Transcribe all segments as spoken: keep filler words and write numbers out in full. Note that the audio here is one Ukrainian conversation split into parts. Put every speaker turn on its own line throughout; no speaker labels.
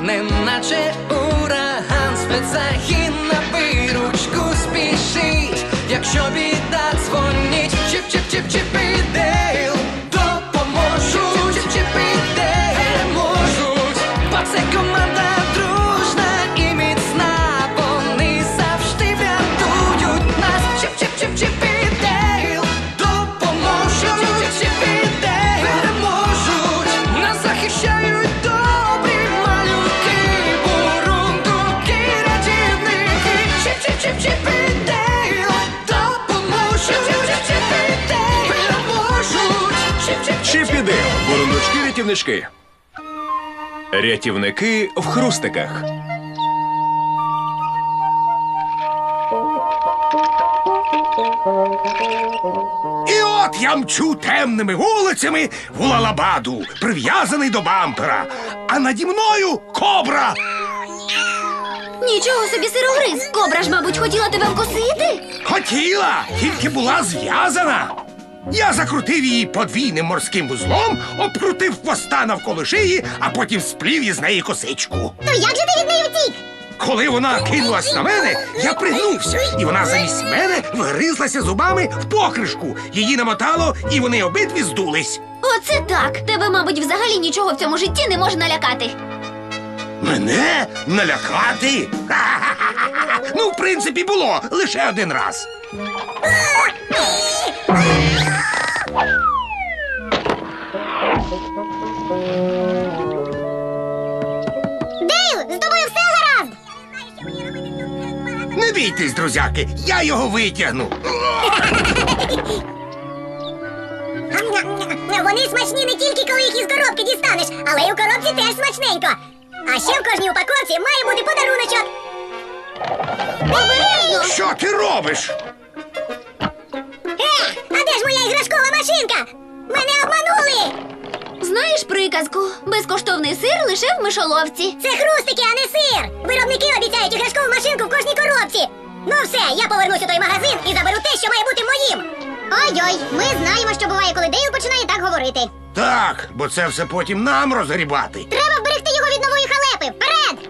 неначе ураган, спецзагін на виручку спішить. Якщо біда, дзвоніть, Чіп-Чіп-Чіп-Чіп і Дейл допоможуть. Чіп-Чіп-Чіп і Дейл можуть, бо це команда дружна і міцна. Вони завжди врятують нас. Чіп-Чіп-Чіп-Чіп і Дейл допоможуть. Чіп-Чіп-Чіп і Дейл переможуть. Нас захищають добрі малюки, бурундуки, рятівники. Чіп-Чіп-Чіп-Чіп і Дейл допоможуть. Чіп-Чіп-Чіп і Дейл переможуть.
Чіп і Дейл, бурундучки-рятівнички. Рятівники в хрустиках.
І от я мчу темними вулицями в Улалабаду, прив'язаний до бампера. А наді мною кобра.
Нічого собі, сирогриз. Кобра ж, мабуть, хотіла тебе вкусити.
Хотіла, тільки була зв'язана. Я закрутив її подвійним морським вузлом, обкрутив хвоста навколо шиї, а потім сплів із неї косичку.
То як же ти від неї втік?
Коли вона кинулась на мене, я пригнувся, і вона замість мене вгризлася зубами в покришку. Її намотало, і вони обидві здулись.
Оце так. Тебе, мабуть, взагалі нічого в цьому житті не може налякати.
Мене налякати? Ха-ха-ха-ха! Ну, в принципі, було лише один раз.
Дейл, з тобою все гаразд?
Не бійтесь, друзяки, я його витягну.
Вони смачні не тільки, коли їх із коробки дістанеш, але й у коробці теж смачненько. А ще в кожній упаковці має бути подаруночок.
Обережно!
Що ти робиш?
Е, а де ж моя іграшкова машинка? Мене обманули!
Знаєш приказку? Безкоштовний сир лише в мишоловці.
Це хрустики, а не сир! Виробники обіцяють іграшкову машинку в кожній коробці. Ну все, я повернусь у той магазин і заберу те, що має бути моїм.
Ой-ой, ми знаємо, що буває, коли Дейл починає так говорити.
Так, бо це все потім нам розгрібати.
Треба вберегти його від нової халепи. Вперед!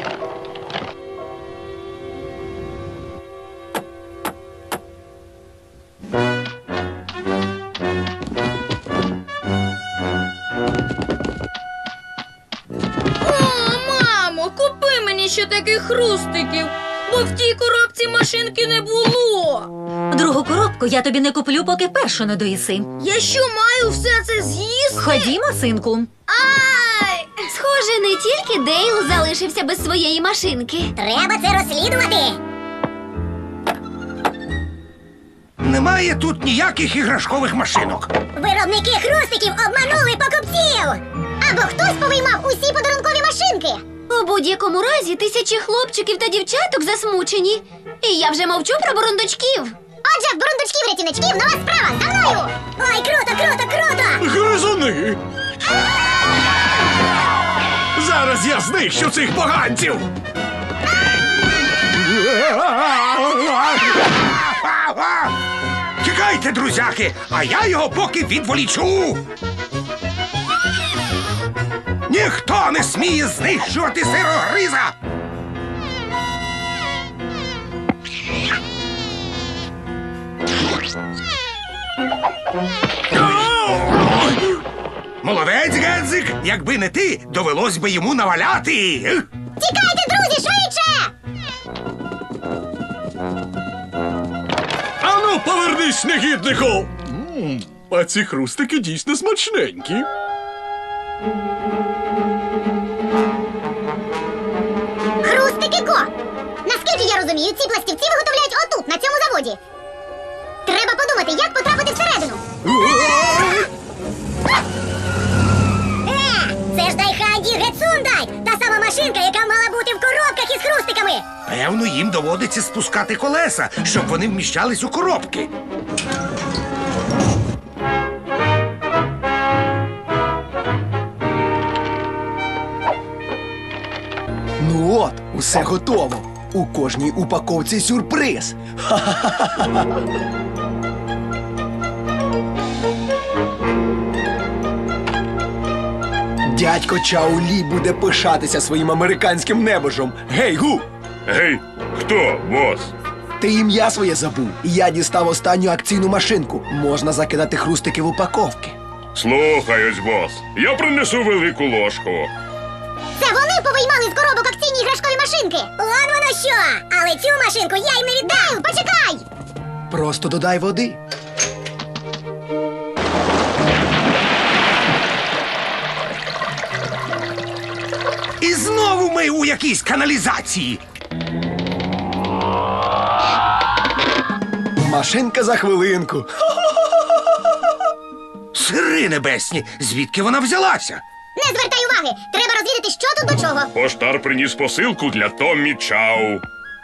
О, мамо, купи мені ще таких хрустиків, бо в тій коробці машинки не було.
Другу коробку я тобі не куплю, поки першу не доїси.
Я що, маю все це з'їсти?
Ходімо, синку.
Ай!
Схоже, не тільки Дейл залишився без своєї машинки.
Треба це розслідувати.
Немає тут ніяких іграшкових машинок.
Виробники хрустиків обманули покупців.
Або хтось повиймав усі подарункові машинки. У будь-якому разі тисячі хлопчиків та дівчаток засмучені. І я вже мовчу про бурундучків. Отже, в бурундучків-рятівничків нова справа. За мною!
Ой, круто, круто, круто!
Гризуни! Зараз я знищу цих поганців!
Тікайте, друзяки, а я його поки відволічу. Ніхто не сміє знищувати сирогриза. Молодець, Гедзик! Якби не ти, довелось би йому наваляти.
Тікайте, друзі, швидше!
Ану, повернись, негіднику! М, А ці хрустики дійсно смачненькі.
Хрустики ко! Наскільки я розумію, ці пластівці виготовляють отут, на цьому заводі. Треба подумати, як потрапити всередину.
Е, це ж Дайханді Гетсундай! Та сама машинка, яка мала бути в коробках із хрустиками!
Певно, їм доводиться спускати колеса, щоб вони вміщались у коробки.
Ну от, усе готово. У кожній упаковці сюрприз. Ха-ха-ха-ха. Дядько Чао Лі буде пишатися своїм американським небожом. Гей, Гу!
Гей, хто, бос?
Ти ім'я своє забув. Я дістав останню акційну машинку. Можна закидати хрустики в упаковки.
Слухаюсь, бос. Я принесу велику ложку.
Це вони повиймали з коробок акційні іграшкові машинки. От воно що! Але цю машинку я їм не віддаю! Почекай!
Просто додай води.
І знову ми у якійсь каналізації.
Машинка за хвилинку.
Сири небесні, звідки вона взялася?
Не звертай уваги! Треба розвідати, що тут до чого.
Поштар приніс посилку для Томмі Чау.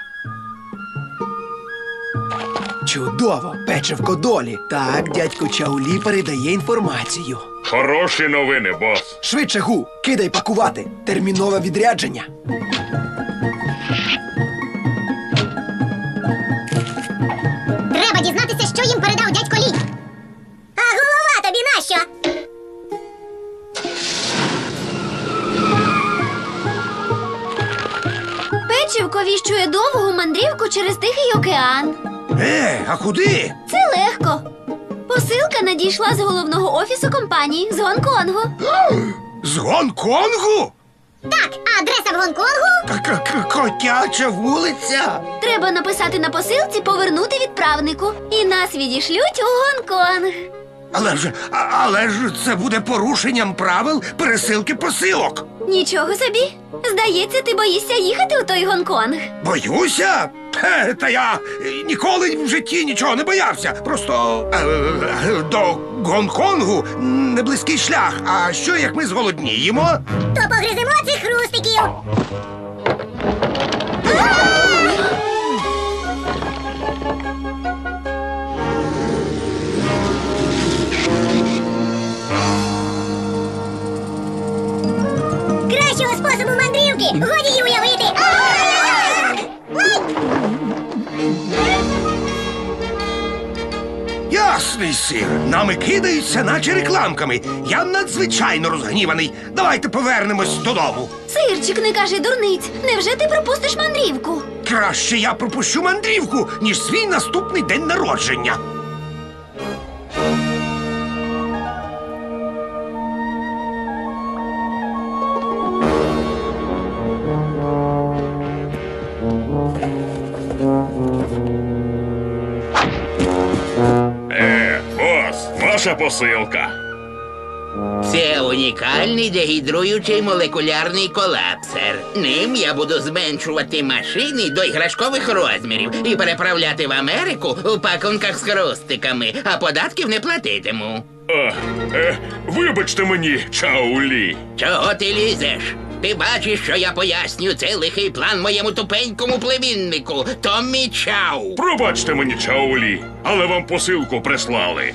Чудово, печивко долі. Так, дядько Чао Лі передає інформацію.
Хороші новини, бос.
Швидше, Гу, кидай пакувати. Термінове відрядження.
Треба дізнатися, що їм передав дядько Лі. А голова тобі нащо?
Печивко віщує довгу мандрівку через Тихий океан.
Е, а куди?
Це легко. Посилка надійшла з головного офісу компанії з Гонконгу.
З Гонконгу?
Так, а адреса в Гонконгу?
К-к-к- Котяча вулиця.
Треба написати на посилці повернути відправнику. І нас відішлють у Гонконг.
Але ж, а- але ж це буде порушенням правил пересилки посилок.
Нічого собі. Здається, ти боїшся їхати у той Гонконг.
Боюся? Хе, та я е, ніколи в житті нічого не боявся. Просто е, е, до Гонконгу не близький шлях. А що, як ми зголодніємо?
То погриземо цих хрустиків. Кращого способу мандрівки годі й уявити.
Ясний сир. Нами кидаються, наче рекламками. Я надзвичайно розгніваний. Давайте повернемось додому.
Сирчик, не кажи дурниць. Невже ти пропустиш мандрівку?
Краще я пропущу мандрівку, ніж свій наступний день народження.
Е, бос, ваша посилка.
Це унікальний дегідруючий молекулярний колапсер. Ним я буду зменшувати машини до іграшкових розмірів і переправляти в Америку у пакунках з хрустиками, а податків не платитиму.
А, е, вибачте мені, Чао Лі.
Чого ти лізеш? Ти бачиш, що я поясню цей лихий план моєму тупенькому племіннику Томмі Чау.
Пробачте мені, Чао Лі, але вам посилку прислали.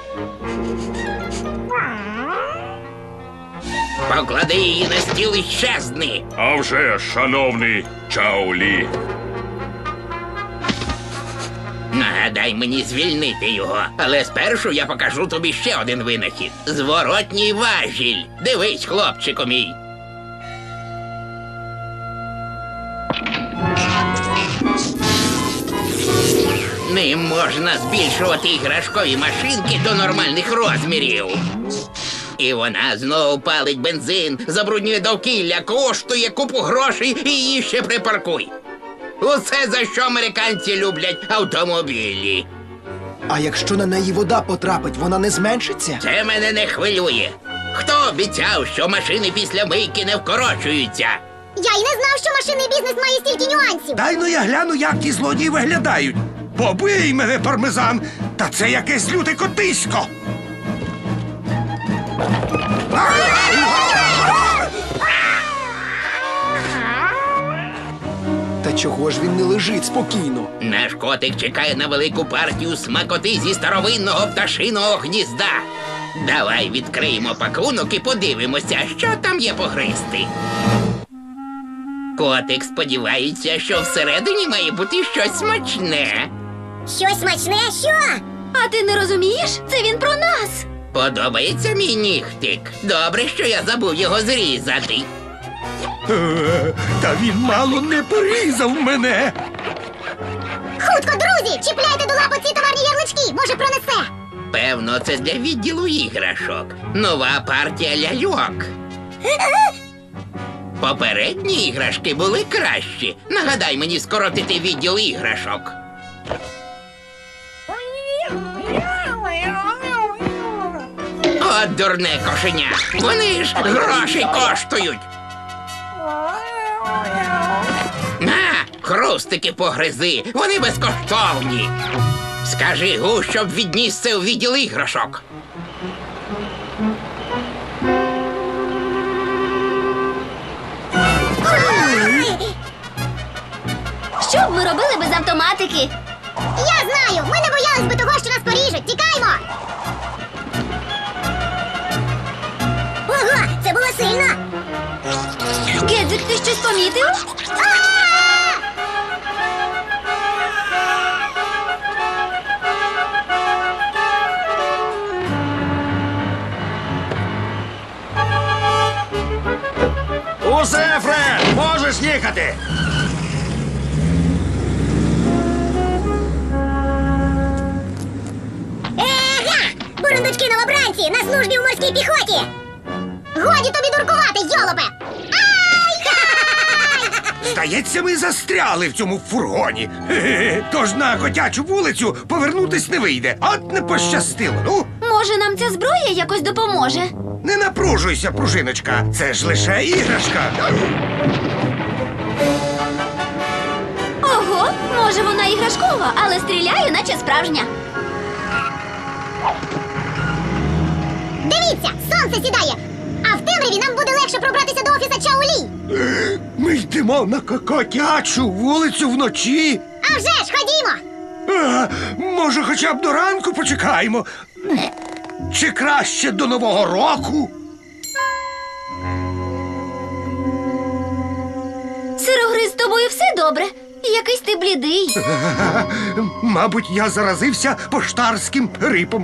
Поклади її на стіл і щезни.
А вже ж, шановний Чао Лі.
Нагадай мені звільнити його, але спершу я покажу тобі ще один винахід. Зворотній важіль. Дивись, хлопчику мій. Ним можна збільшувати іграшкові машинки до нормальних розмірів. І вона знову палить бензин, забруднює довкілля, коштує купу грошей і її ще припаркуй. Усе, за що американці люблять автомобілі.
А якщо на неї вода потрапить, вона не зменшиться?
Це мене не хвилює. Хто обіцяв, що машини після мийки не вкорочуються?
Я й не знав, що машинний бізнес має стільки нюансів.
Дай ну я гляну, як ті злодії виглядають. Побий мене, пармезан! Та це якесь люте котисько!
Та чого ж він не лежить спокійно?
Наш котик чекає на велику партію смакоти зі старовинного пташиного гнізда. Давай відкриємо пакунок і подивимося, що там є погризти. Котик сподівається, що всередині має бути щось смачне.
Щось смачне, що?
А ти не розумієш? Це він про нас.
Подобається мій нігтик? Добре, що я забув його зрізати.
Е, Та він мало не порізав мене.
Хутко, друзі, чіпляйте до лапи ці товарні ярлички, може пронесе.
Певно, це для відділу іграшок. Нова партія ляльок. Попередні іграшки були кращі. Нагадай мені скоротити відділ іграшок. От дурне кошеня. Вони ж гроші коштують. На, хрустики погризи, вони безкоштовні. Скажи Гу, щоб відніс це у відділ іграшок.
Що б ми робили без автоматики? Я знаю! Ми не боялись би того, що нас поріжуть! Тікаймо!
Ого, це було сильно!
Гедзик, ти щось помітив?
Усе, Фред, можеш їхати.
Ега! Бурундучки новобранці на службі у морській піхоті!
Годі тобі дуркувати, йолопе!
Здається, ми застряли в цьому фургоні. Хе-хе. Тож на котячу вулицю повернутись не вийде. От не пощастило. Ну,
Може, нам ця зброя якось допоможе?
не напружуйся, пружиночка. Це ж лише іграшка.
Ого, може вона іграшкова, але стріляє, наче справжня. Дивіться, сонце сідає, а в темряві нам буде легше пробратися до офіса Чаолі.
Ми йдемо на ко- котячу вулицю вночі.
А вже ж, ходімо!
А, може, хоча б до ранку почекаємо? Чи краще до Нового року?
Сирогриз, з тобою все добре? Якийсь ти блідий.
Мабуть, я заразився поштарським грипом.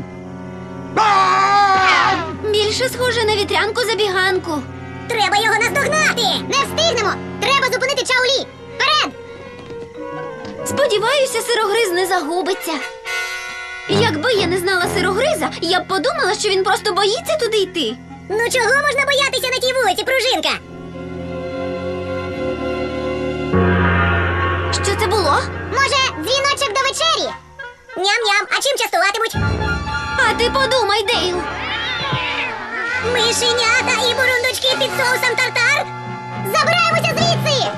А!
Більше схоже на вітрянку-забіганку.
Треба його наздогнати!
Не встигнемо! Треба зупинити Чаолі! Вперед! Сподіваюся, сирогриз не загубиться. Якби я не знала сирогриза, я б подумала, що він просто боїться туди йти.
Ну чого можна боятися на тій вулиці, пружинка?
Що це було? Може, дзвіночок до вечері?
Ням-ням, а чим частуватимуть?
А ти подумай, Дейл.
Мишенята і бурундучки під соусом тартар?
Забираємося звідси!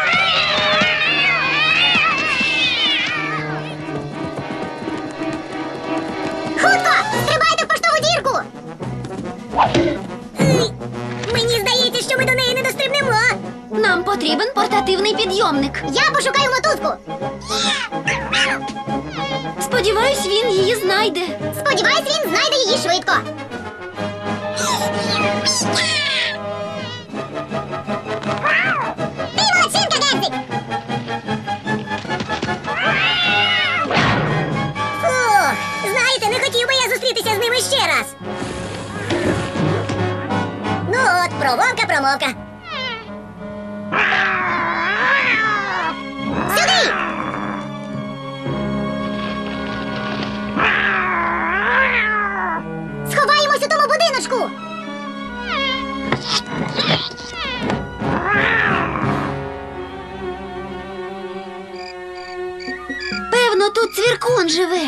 Хутко! Стрибайте в поштову дірку!
Ей, мені здається, що ми до неї не дострибнемо.
Нам потрібен портативний підйомник. Я пошукаю мотузку. Сподіваюсь, він її знайде. Сподіваюсь, він знайде її швидко. Ти молодчинка, Гедзик!
Фух, знаєте, не хотів би я зустрітися з ними ще раз. Ну от, промовка-промовка.
Сюди! Сховаємось у тому будиночку! Певно, тут цвіркун живе.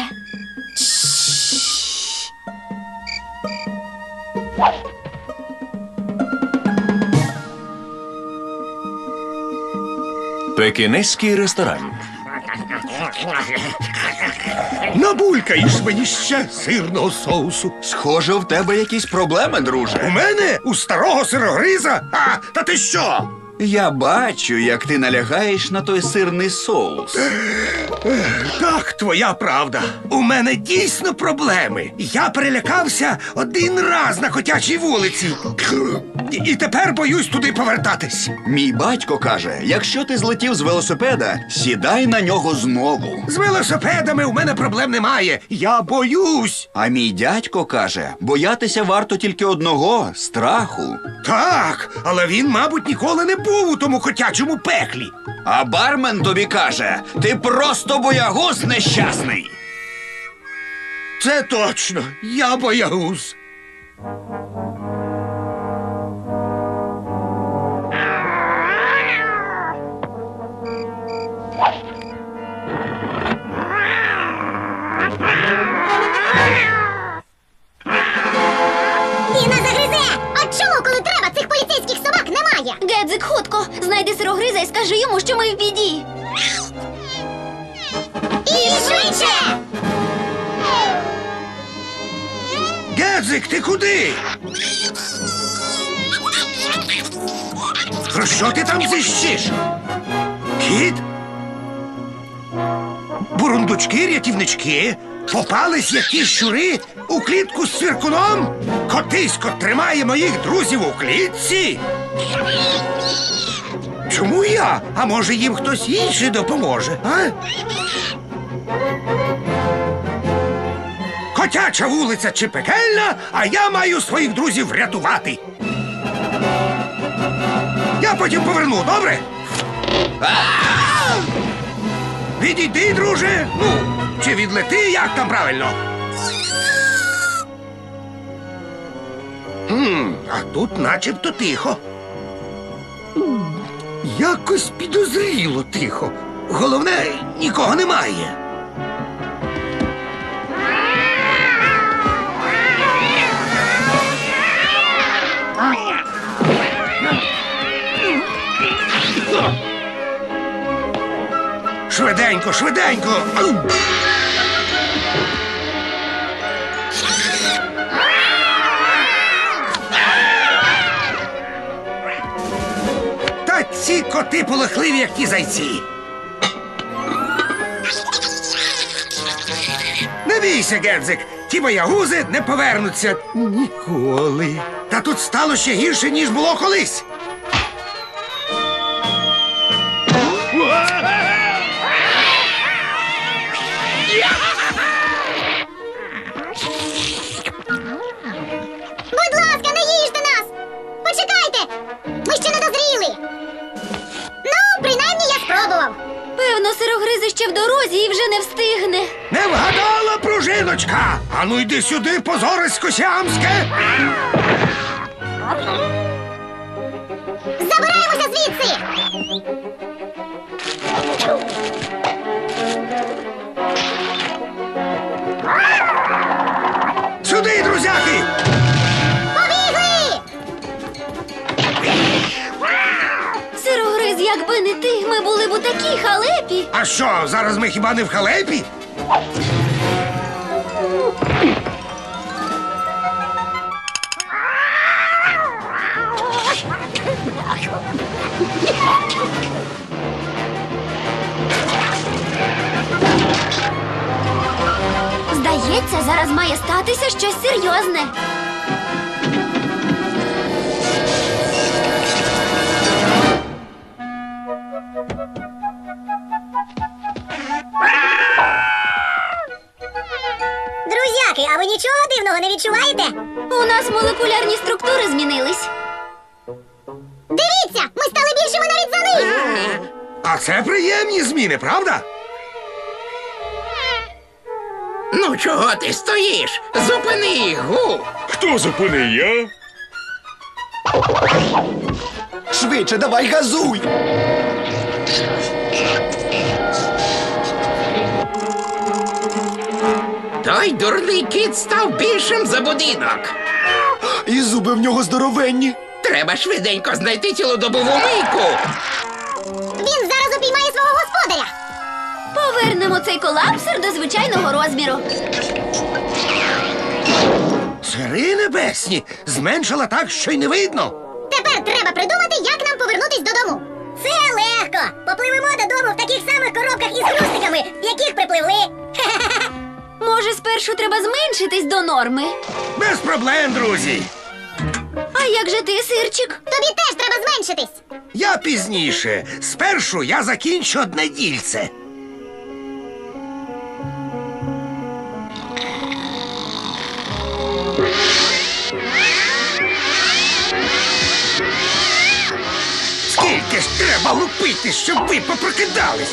Пекінеський ресторан.
Набулькаєш мені ще сирного соусу.
Схоже, в тебе якісь проблеми,
У
друже.
мене? У старого сирогриза? А, та ти що?
Я бачу, як ти налягаєш на той сирний соус.
Так, твоя правда. У мене дійсно проблеми. Я перелякався один раз на котячій вулиці. І тепер боюсь туди повертатись.
Мій батько каже, якщо ти злетів з велосипеда, сідай на нього знову.
З велосипедами у мене проблем немає. Я боюсь.
А мій дядько каже, боятися варто тільки одного – страху.
Так, але він, мабуть, ніколи не був у тому котячому пеклі.
А бармен тобі каже, ти просто боягуз нещасний.
Це точно. Я боягуз.
Він нас загризе! А чому, коли треба, цих поліцейських собак немає? Гедзик, хутко, знайди сирогриза і скажи йому, що ми в біді. І швидше!
Гедзик, ти куди? Про що ти там зищиш? Кіт? Бурундучки, рятівнички? Попались якісь щури у клітку з цвіркуном? Котисько тримає моїх друзів у клітці? Чому я? А може їм хтось інший допоможе, а? Котяча вулиця чи пекельна, а я маю своїх друзів врятувати. Я потім поверну, добре? Відійди, друже. Ну, чи відлети, як там правильно? Хм, а тут начебто тихо. Якось підозріло тихо. Головне, нікого немає. Швиденько, швиденько. Ау! Та ці коти полохливі, як ті зайці. Не бійся, Гедзик, ті боягузи не повернуться ніколи. Та тут стало ще гірше, ніж було колись.
Будь ласка, не їжте нас! Почекайте! Ми ще не дозріли! Ну, принаймні я спробував. Певно, сирогризи ще в дорозі і вже не встигне.
Не вгадала, пружиночка! Ану йди сюди, позорисько сіамське!
Забираємося звідси!
Сюди, друзяки!
Побігли! Сирогриз, якби не ти, ми були б у такій халепі.
А що, зараз ми хіба не в халепі?
Здається, зараз має статися щось серйозне.
Друзяки, а ви нічого дивного не відчуваєте?
У нас молекулярні структури змінились. Дивіться, ми стали більшими навіть за них.
А це приємні зміни, правда?
Ну чого ти стоїш? Зупини їх, гу!
Хто зупини я?
Швидше, давай газуй!
Той дурний кіт став більшим за будинок.
І зуби в нього здоровенні.
Треба швиденько знайти цілодобову мийку.
Він зараз упіймає свого господаря. Повернемо цей колапсер до звичайного розміру.
Цари небесні! Зменшила так, що й не видно.
Тепер треба придумати, як нам повернутись додому.
Це легко! Попливемо додому в таких самих коробках із хрустиками, в яких припливли.
Може, спершу треба зменшитись до норми.
Без проблем, друзі.
А
як же ти, сирчик?
Тобі теж треба зменшитись.
Я пізніше. Спершу я закінчу одне дільце. Скільки ж треба лупити, щоб ви попрокидались?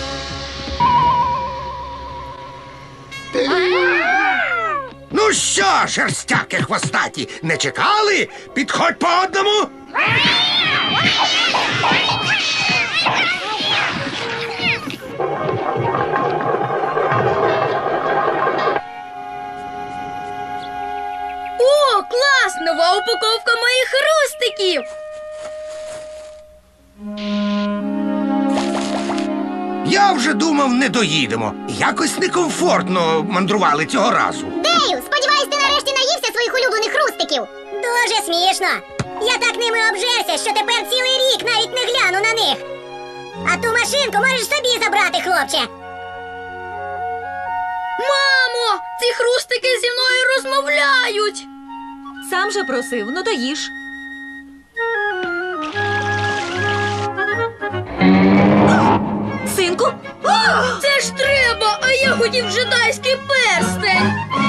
Ну що, шерстяки хвостаті, не чекали? Підходь по одному.
О, клас! Нова упаковка моїх хрустиків!
Я вже думав, не доїдемо. Якось некомфортно мандрували цього разу.
Дею, сподіваюсь, ти нарешті наївся своїх улюблених хрустиків.
Дуже смішно. Я так ними обжерся, що тепер цілий рік навіть не гляну на них. А ту машинку можеш собі забрати, хлопче.
Мамо! Ці хрустики зі мною розмовляють!
Сам же просив, ну то їж.
Синку? Це ж треба, а я хотів джедайський перстень!